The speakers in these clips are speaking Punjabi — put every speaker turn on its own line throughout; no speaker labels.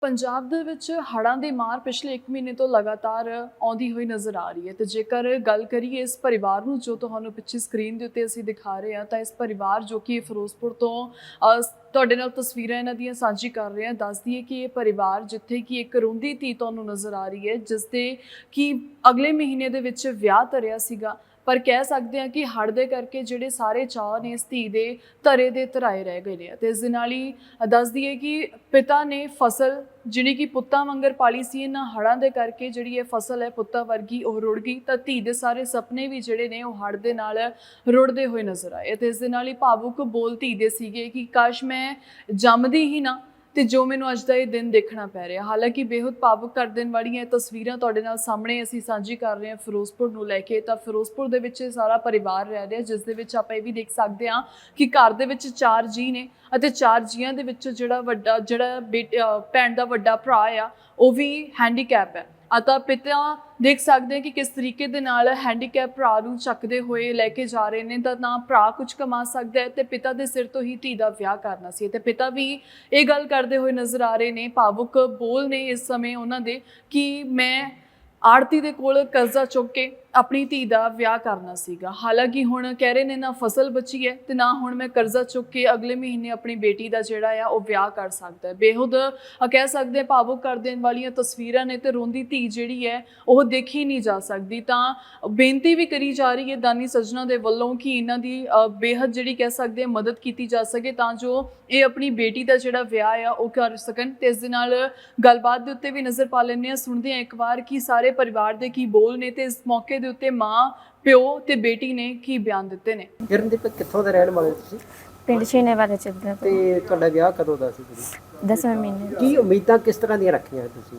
ਪੰਜਾਬ ਦੇ ਵਿੱਚ ਹੜ੍ਹਾਂ ਦੀ ਮਾਰ ਪਿਛਲੇ 1 ਮਹੀਨੇ ਤੋਂ ਲਗਾਤਾਰ ਆਉਂਦੀ ਹੋਈ ਨਜ਼ਰ ਆ ਰਹੀ ਹੈ ਤੇ ਜੇਕਰ ਗੱਲ ਕਰੀਏ ਇਸ ਪਰਿਵਾਰ ਨੂੰ ਜੋ ਤੁਹਾਨੂੰ ਪਿੱਛੇ ਸਕਰੀਨ ਦੇ ਉੱਤੇ ਅਸੀਂ ਦਿਖਾ ਰਹੇ ਹਾਂ ਤਾਂ ਇਸ ਪਰਿਵਾਰ ਜੋ ਕਿ ਫਿਰੋਜ਼ਪੁਰ ਤੋਂ ਤੁਹਾਡੇ ਨਾਲ ਤਸਵੀਰਾਂ ਇਹਨਾਂ ਦੀਆਂ ਸਾਂਝੀ ਕਰ ਰਹੇ ਹਾਂ। ਦੱਸ ਦਈਏ ਕਿ ਇਹ ਪਰਿਵਾਰ ਜਿੱਥੇ ਕਿ ਇੱਕ ਰੋਂਦੀ ਧੀ ਤੁਹਾਨੂੰ ਨਜ਼ਰ ਆ ਰਹੀ ਹੈ ਜਿਸ ਦੇ ਕਿ ਅਗਲੇ ਮਹੀਨੇ ਦੇ ਵਿੱਚ ਵਿਆਹ ਧਰਿਆ ਸੀਗਾ, ਪਰ ਕਹਿ ਸਕਦੇ ਹਾਂ ਕਿ ਹੜ੍ਹ ਦੇ ਕਰਕੇ ਜਿਹੜੇ ਸਾਰੇ ਚਾਅ ਨੇ ਇਸ ਧੀ ਦੇ ਧਰੇ ਦੇ ਧਰਾਏ ਰਹਿ ਗਏ ਨੇ। ਅਤੇ ਇਸ ਦੇ ਨਾਲ ਹੀ ਦੱਸ ਦਈਏ ਕਿ ਪਿਤਾ ਨੇ ਫਸਲ ਜਿਹੜੀ ਕਿ ਪੁੱਤਾਂ ਵਾਂਗਰ ਪਾਲੀ ਸੀ, ਇਹਨਾਂ ਹੜ੍ਹਾਂ ਦੇ ਕਰਕੇ ਜਿਹੜੀ ਇਹ ਫਸਲ ਹੈ ਪੁੱਤਾਂ ਵਰਗੀ ਉਹ ਰੁੜ ਗਈ ਤਾਂ ਧੀ ਦੇ ਸਾਰੇ ਸੁਪਨੇ ਵੀ ਜਿਹੜੇ ਨੇ ਉਹ ਹੜ੍ਹ ਦੇ ਨਾਲ ਰੁੜਦੇ ਹੋਏ ਨਜ਼ਰ ਆਏ। ਅਤੇ ਇਸ ਦੇ ਨਾਲ ਹੀ ਭਾਵੁਕ ਬੋਲ ਧੀ ਦੇ ਸੀਗੇ ਕਿ ਕਾਸ਼ ਮੈਂ ਜੰਮਦੀ ਹੀ ਨਾ ਤੇ ਜੋ ਮੈਨੂੰ ਅੱਜ ਦਾ ਇਹ ਦਿਨ ਦੇਖਣਾ ਪੈ ਰਿਹਾ। ਹਾਲਾਂਕਿ ਬੇਹੱਦ ਭਾਵੁਕ ਕਰ ਦੇਣ ਵਾਲੀਆਂ ਇਹ ਤਸਵੀਰਾਂ ਤੁਹਾਡੇ ਨਾਲ ਸਾਹਮਣੇ ਅਸੀਂ ਸਾਂਝੀ ਕਰ ਰਹੇ ਹਾਂ ਫਿਰੋਜ਼ਪੁਰ ਨੂੰ ਲੈ ਕੇ। ਤਾਂ ਫਿਰੋਜ਼ਪੁਰ ਦੇ ਵਿੱਚ ਸਾਰਾ ਪਰਿਵਾਰ ਰਹਿ ਰਿਹਾ, ਜਿਸ ਦੇ ਵਿੱਚ ਆਪਾਂ ਇਹ ਵੀ ਦੇਖ ਸਕਦੇ ਹਾਂ ਕਿ ਘਰ ਦੇ ਵਿੱਚ 4 ਜੀਅ ਨੇ ਅਤੇ 4 ਜੀਆਂ ਦੇ ਵਿੱਚ ਜਿਹੜਾ ਭੈਣ ਦਾ ਵੱਡਾ ਭਰਾ ਆ ਉਹ ਵੀ ਹੈਂਡੀਕੈਪ ਹੈ। ਤਾਂ ਪਿਤਾ ਦੇਖ ਸਕਦੇ ਕਿ ਕਿਸ ਤਰੀਕੇ ਦੇ ਨਾਲ ਹੈਂਡੀਕੈਪ ਭਰਾ ਨੂੰ ਚੱਕਦੇ ਹੋਏ ਲੈ ਕੇ ਜਾ ਰਹੇ ਨੇ। ਤਾਂ ਨਾ ਭਰਾ ਕੁਝ ਕਮਾ ਸਕਦਾ ਹੈ ਤੇ ਪਿਤਾ ਦੇ ਸਿਰ ਤੋਂ ਹੀ ਧੀ ਦਾ ਵਿਆਹ ਕਰਨਾ ਸੀ ਤੇ ਪਿਤਾ ਵੀ ਇਹ ਗੱਲ ਕਰਦੇ ਹੋਏ ਨਜ਼ਰ ਆ ਰਹੇ ਨੇ। ਭਾਵੁਕ ਬੋਲ ਨੇ ਇਸ ਸਮੇਂ ਉਹਨਾਂ ਦੇ ਕਿ ਮੈਂ ਆੜਤੀ ਦੇ ਕੋਲ ਕਰਜ਼ਾ ਚੁੱਕ ਕੇ ਆਪਣੀ ਧੀ ਦਾ ਵਿਆਹ ਕਰਨਾ ਸੀਗਾ। ਹਾਲਾਂਕਿ ਹੁਣ ਕਹਿ ਰਹੇ ਨੇ ਨਾ ਫਸਲ ਬਚੀ ਹੈ ਤੇ ਨਾ ਹੁਣ ਮੈਂ ਕਰਜ਼ਾ ਚੁੱਕ ਕੇ ਅਗਲੇ ਮਹੀਨੇ ਆਪਣੀ ਬੇਟੀ ਦਾ ਜਿਹੜਾ ਆ ਉਹ ਵਿਆਹ ਕਰ ਸਕਦਾ ਹੈ। ਬੇਹੱਦ ਕਹਿ ਸਕਦੇ ਭਾਵੁਕ ਕਰ ਦੇਣ ਵਾਲੀਆਂ ਤਸਵੀਰਾਂ ਨੇ ਤੇ ਰੋਂਦੀ ਧੀ ਜਿਹੜੀ ਹੈ ਉਹ ਦੇਖੀ ਨਹੀਂ ਜਾ ਸਕਦੀ। ਤਾਂ ਬੇਨਤੀ ਵੀ ਕਰੀ ਜਾ ਰਹੀ ਹੈ ਦਾਨੀ ਸੱਜਣਾ ਦੇ ਵੱਲੋਂ ਕਿ ਇਹਨਾਂ ਦੀ ਬੇਹੱਦ ਜਿਹੜੀ ਕਹਿ ਸਕਦੇ ਮਦਦ ਕੀਤੀ ਜਾ ਸਕੇ ਤਾਂ ਜੋ ਇਹ ਆਪਣੀ ਬੇਟੀ ਦਾ ਜਿਹੜਾ ਵਿਆਹ ਆ ਉਹ ਕਰ ਸਕਣ। ਤੇ ਇਸ ਦੇ ਨਾਲ ਗੱਲਬਾਤ ਦੇ ਉੱਤੇ ਵੀ ਨਜ਼ਰ ਪਾ ਲੈਂਦੇ ਹਾਂ, ਸੁਣਦੇ ਹਾਂ ਇੱਕ ਵਾਰ ਕਿ ਸਾਰੇ ਪਰਿਵਾਰ ਦੇ ਕੀ ਬੋਲ ਨੇ ਤੇ ਇਸ ਮੌਕੇ ਦੇ ਉੱਤੇ ਮਾਂ ਪਿਓ ਤੇ ਬੇਟੀ ਨੇ ਕੀ ਬਿਆਨ ਦਿੱਤੇ ਨੇ।
ਕਿਰਨਦੀਪ ਕਿੱਥੋਂ ਦੇ ਰਹਿਣ ਵਾਲੇ ਤੁਸੀਂ?
ਪਿੰਡ ਛੀਨੇਵਾਲਾ ਚੱਲਦਾ
ਤੇ ਤੁਹਾਡਾ ਵਿਆਹ ਕਦੋਂ ਦਾ ਸੀ?
10ਵੇਂ ਮਹੀਨੇ।
ਕੀ ਉਮੀਦਾਂ ਕਿਸ ਤਰ੍ਹਾਂ ਦੀਆਂ ਰੱਖੀਆਂ ਤੁਸੀਂ?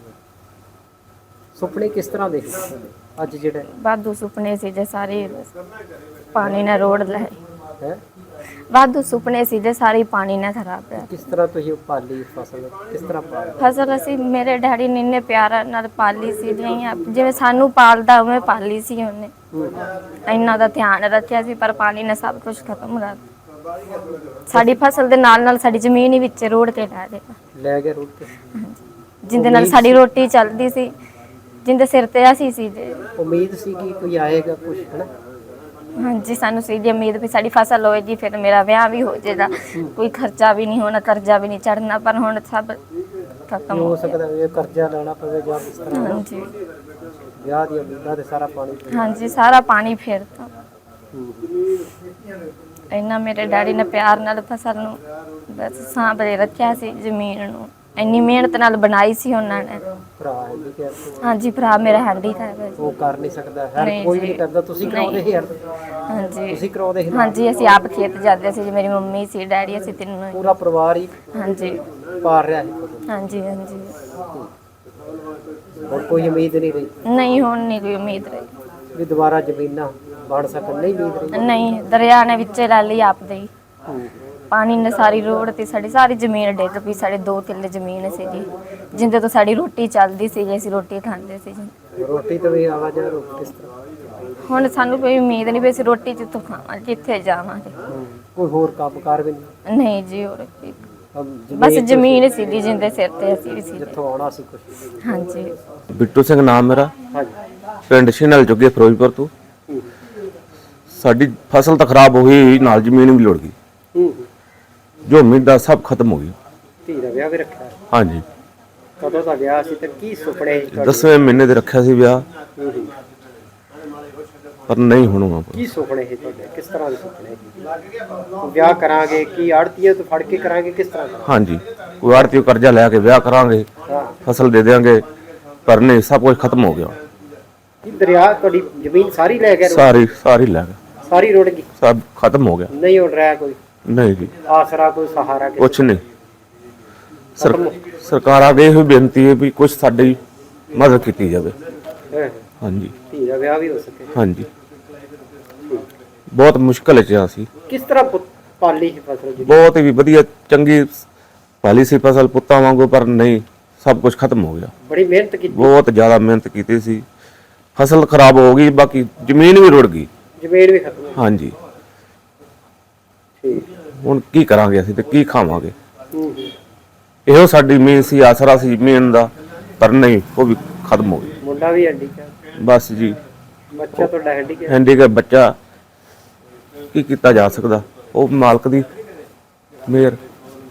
ਸੁਪਨੇ ਕਿਸ ਤਰ੍ਹਾਂ ਦੇ ਅੱਜ ਜਿਹੜੇ
ਵਾਧੂ ਸੁਪਨੇ ਸੀ ਜੇ ਸਾਰੇ ਪਾਣੀ ਨਾਲ ਰੋੜ ਲਏ
ਹੈ?
ਵਾਧੂ ਸੁਪਨੇ ਸੀ ਜੇ ਸਾਰੇ ਪਾਣੀ ਨਾਲ ਖਰਾਬ ਪਿਆ।
ਕਿਸ ਤਰ੍ਹਾਂ ਤੁਸੀਂ ਪਾਲੀ ਫਸਲ ਕਿਸ ਤਰ੍ਹਾਂ ਪਾਲੀ?
ਫਸਲ ਅਸੀਂ ਮੇਰੇ ਡੈਡੀ ਨੇ ਇੰਨੇ ਪਿਆਰ ਨਾਲ ਪਾਲੀ ਸੀ ਜਿਵੇਂ ਸਾਨੂੰ ਪਾਲਦਾ ਉਵੇਂ ਪਾਲੀ ਸੀ ਉਹਨੇ। ਇੰਨਾ ਦਾ ਧਿਆਨ ਰੱਖਿਆ ਸੀ ਪਰ ਪਾਣੀ ਨੇ ਸਭ ਕੁਝ ਖਤਮ ਕਰ ਦਿੱਤਾ। ਸਾਡੀ ਫਸਲ ਦੇ ਨਾਲ ਨਾਲ ਸਾਡੀ ਜ਼ਮੀਨ ਹੀ ਵਿੱਚ ਰੋੜ ਕੇ ਲੈ
ਗਏ ਰੋੜ ਕੇ,
ਜਿੰਦੇ ਨਾਲ ਸਾਡੀ ਰੋਟੀ ਚੱਲਦੀ ਸੀ, ਜਿੰਦੇ ਸਿਰ ਤੇ ਅਸੀਂ ਸੀ ਜੇ।
ਉਮੀਦ ਸੀ ਕਿ ਕੋਈ ਆਏਗਾ ਕੁਝ ਹੈ ਨਾ?
ਹਾਂਜੀ, ਸਾਨੂੰ ਸੀ ਜੀ ਉਮੀਦ ਵੀ ਸਾਡੀ ਫਸਲ ਹੋਏਗੀ ਫਿਰ ਮੇਰਾ ਵਿਆਹ ਵੀ ਹੋ ਜਾਏਗਾ, ਕੋਈ ਖਰਚਾ ਵੀ ਨਹੀਂ ਹੋਣਾ, ਕਰਜ਼ਾ ਵੀ ਨਹੀਂ ਚੜਨਾ। ਪਰ ਹੁਣ ਸਭ ਖਤਮ
ਹੋ ਸਕਦਾ ਹੈ ਕਰਜ਼ਾ ਲੈਣਾ ਪਵੇ ਜਾਂ ਇਸ ਤਰ੍ਹਾਂ।
ਹਾਂਜੀ,
ਵਿਆਹ ਦੀ ਉਮੀਦਾਂ ਤੇ ਸਾਰਾ ਪਾਣੀ।
ਹਾਂਜੀ, ਸਾਰਾ ਪਾਣੀ ਫੇਰਤਾ। ਇੰਨਾ ਮੇਰੇ ਡੈਡੀ ਨੇ ਪਿਆਰ ਨਾਲ ਫਸਲ ਨੂੰ ਬਸ ਸਾਂਭੇ ਰੱਖਿਆ ਸੀ, ਜ਼ਮੀਨ ਨੂੰ ਇੰਨੀ ਮਿਹਨਤ ਨਾਲ ਬਣਾਈ ਸੀ ਉਹਨਾਂ ਨੇ।
ਭਰਾ ਹੈਂਡੀਕੈਪ?
ਹਾਂਜੀ, ਭਰਾ ਮੇਰਾ ਹੈਂਡੀਕੈਪ ਹੈ।
ਉਹ ਕਰ ਨਹੀਂ ਸਕਦਾ, ਹਰ ਕੋਈ ਨਹੀਂ ਕਰਦਾ। ਤੁਸੀਂ ਕਰਾਉਂਦੇ ਸੀ?
ਹਾਂਜੀ,
ਤੁਸੀਂ ਕਰਾਉਂਦੇ ਸੀ? ਹਾਂਜੀ,
ਅਸੀਂ ਆਪ ਖੇਤ ਜਾਂਦੇ ਸੀ, ਮੇਰੀ ਮੰਮੀ ਸੀ, ਡੈਡੀ, ਅਸੀਂ ਤਿੰਨੋਂ ਹੀ।
ਪੂਰਾ ਪਰਿਵਾਰ ਹੀ?
ਹਾਂਜੀ,
ਪਾਰ ਰਿਹਾ ਹੈ?
ਹਾਂਜੀ ਹਾਂਜੀ।
ਹੋਰ ਕੋਈ ਉਮੀਦ ਨਹੀਂ ਰਹੀ?
ਨਹੀਂ, ਹੁਣ ਨਹੀਂ ਕੋਈ ਉਮੀਦ ਰਹੀ
ਵੀ ਦੁਬਾਰਾ ਜ਼ਮੀਨਾਂ ਬਣ ਸਕਣ? ਨਹੀਂ ਉਮੀਦ ਰਹੀ?
ਨਹੀਂ, ਦਰਿਆ ਨੇ ਵਿੱਚੇ ਲੈ ਲਈ ਆਪਦੇ ਹੀ। ਪਾਣੀ ਨੇ ਸਾਰੀ ਰੋਡ ਤੇ ਸਾਡੀ ਸਾਰੀ ਜ਼ਮੀਨ ਡਿੱਗ ਪਈ। ਸਾਡੇ 2 ਕਿੱਲੇ ਜ਼ਮੀਨ ਸੀ ਜੀ, ਜਿੰਦੇ ਤੋਂ ਸਾਡੀ ਰੋਟੀ ਚੱਲਦੀ ਸੀ ਜੀ, ਅਸੀਂ ਰੋਟੀ ਖਾਂਦੇ ਸੀ ਜੀ।
ਰੋਟੀ ਤੋਂ ਵੀ ਆਵਾਜ਼ ਆ ਕਿਸ ਤਰ੍ਹਾਂ?
ਹੁਣ ਸਾਨੂੰ ਕੋਈ ਉਮੀਦ ਨਹੀਂ ਵੀ ਅਸੀਂ ਰੋਟੀ ਜਿੱਥੋਂ ਖਾਵਾਂਗੇ, ਕਿੱਥੇ ਜਾਵਾਂਗੇ।
ਕੋਈ ਹੋਰ ਕੰਮਕਾਰ ਵੀ ਨਹੀਂ?
ਨਹੀਂ ਜੀ, ਹੋਰ ਬਸ ਜ਼ਮੀਨ ਸੀ ਜੀ ਜਿੰਦੇ ਸਿਰ ਤੇ ਅਸੀਂ ਵੀ ਸੀ।
ਜਿੱਥੋਂ ਆਉਣਾ ਸੀ ਕੁਝ?
ਹਾਂਜੀ।
ਬਿੱਟੂ ਸਿੰਘ ਨਾਮ ਮੇਰਾ, ਪਿੰਡ ਛੀਨੇਵਾਲਾ ਜੁਗੇ ਫਿਰੋਜ਼ਪੁਰ ਤੋਂ। ਸਾਡੀ ਫਸਲ ਤਾਂ ਖਰਾਬ ਹੋ ਗਈ, ਨਾਲ ਜ਼ਮੀਨ ਵੀ ਲੁੜ ਗਈ, ਜੋ ਉਮੀਦਾਂ ਸਭ ਖਤਮ ਹੋ ਗਈ।
ਧੀ ਦਾ ਵਿਆਹ ਵੀ ਰੱਖਿਆ?
ਹਾਂਜੀ।
ਕਦੋਂ ਦਾ ਵਿਆਹ ਸੀ ਤੇ ਕੀ ਸੁਪਨੇ?
10ਵੇਂ ਮਹੀਨੇ ਦੇ ਰੱਖਿਆ ਸੀ ਵਿਆਹ, ਪਰ ਨਹੀਂ ਹੋਣਾ।
ਕੀ ਸੁਪਨੇ ਸੀ ਤੁਹਾਡੇ? ਕਿਸ ਤਰ੍ਹਾਂ ਦੇ ਸੁਪਨੇ? ਵਿਆਹ ਕਰਾਂਗੇ ਕੀ ਆੜਤੀਆਂ ਤੋਂ ਫੜ ਕੇ ਕਰਾਂਗੇ, ਕਿਸ ਤਰ੍ਹਾਂ?
ਹਾਂਜੀ, ਕੋਈ ਆੜਤੀ ਕਰਜ਼ਾ ਲੈ ਕੇ ਵਿਆਹ ਕਰਾਂਗੇ, ਫਸਲ ਦੇ ਦੇਵਾਂਗੇ, ਪਰ ਨਹੀਂ, ਸਭ ਕੁਝ ਖਤਮ ਹੋ ਗਿਆ।
ਦਰਿਆ ਤੁਹਾਡੀ ਜ਼ਮੀਨ ਸਾਰੀ ਲੈ ਗਿਆ?
ਸਾਰੀ ਲੈ ਗਿਆ,
ਸਾਰੀ ਰੁੜ ਗਈ,
ਸਭ ਖਤਮ ਹੋ ਗਿਆ।
ਨਹੀਂ ਉੜ ਰਿਹਾ ਕੋਈ?
ਨਹੀਂ ਜੀ,
ਆਸਰਾ ਕੋਈ ਸਹਾਰਾ
ਕੁਛ ਨਹੀਂ। ਸਰਕਾਰ ਅੱਗੇ ਇਹੋ ਬੇਨਤੀ ਹੈ ਵੀ ਕੁਝ ਸਾਡੀ ਮਦਦ ਕੀਤੀ ਜਾਵੇ। ਹਾਂਜੀ,
ਧੀ ਦਾ ਵਿਆਹ ਵੀ ਹੋ ਸਕੇ।
ਹਾਂਜੀ, ਬਹੁਤ ਮੁਸ਼ਕਲ ਚ ਸੀ।
ਕਿਸ ਤਰ੍ਹਾਂ ਪਾਲੀ ਸੀ ਫਸਲ ਜੀ?
ਬਹੁਤ ਹੀ ਵਧੀਆ ਚੰਗੀ ਪਾਲੀ ਸੀ ਫਸਲ ਪੁੱਤਾਂ ਵਾਂਗੂ, ਪਰ ਨਹੀਂ, ਸਭ ਕੁਝ ਖਤਮ ਹੋ ਗਿਆ।
ਬੜੀ ਮਿਹਨਤ ਕੀਤੀ?
ਬਹੁਤ ਜ਼ਿਆਦਾ ਮਿਹਨਤ ਕੀਤੀ ਸੀ, ਫਸਲ ਖਰਾਬ ਹੋ ਗਈ, ਬਾਕੀ ਜ਼ਮੀਨ ਵੀ ਰੁੜ ਗਈ।
ਜ਼ਮੀਨ ਵੀ ਖਤਮ?
ਹਾਂਜੀ।
ਠੀਕ।
ਹੁਣ ਕੀ ਕਰਾਂਗੇ ਅਸੀਂ ਤੇ ਕੀ ਖਾਵਾਂਗੇ? ਇਹੋ ਸਾਡੀ ਮੇਨ ਸੀ, ਆਸਰਾ ਸੀ ਮੇਨ ਦਾ, ਪਰ ਨਹੀਂ, ਉਹ ਵੀ ਖਤਮ ਹੋ ਗਈ।
ਮੁੰਡਾ ਵੀ ਹੈਂਡੀਕੈਪ,
ਬਸ ਜੀ,
ਬੱਚਾ ਤੁਹਾਡਾ ਹੈਂਡੀਕੈਪ।
ਹੈਂਡੀਕੈਪ ਬੱਚਾ, ਕੀ ਕੀਤਾ ਜਾ ਸਕਦਾ, ਉਹ ਮਾਲਕ ਦੀ ਮਿਹਰ।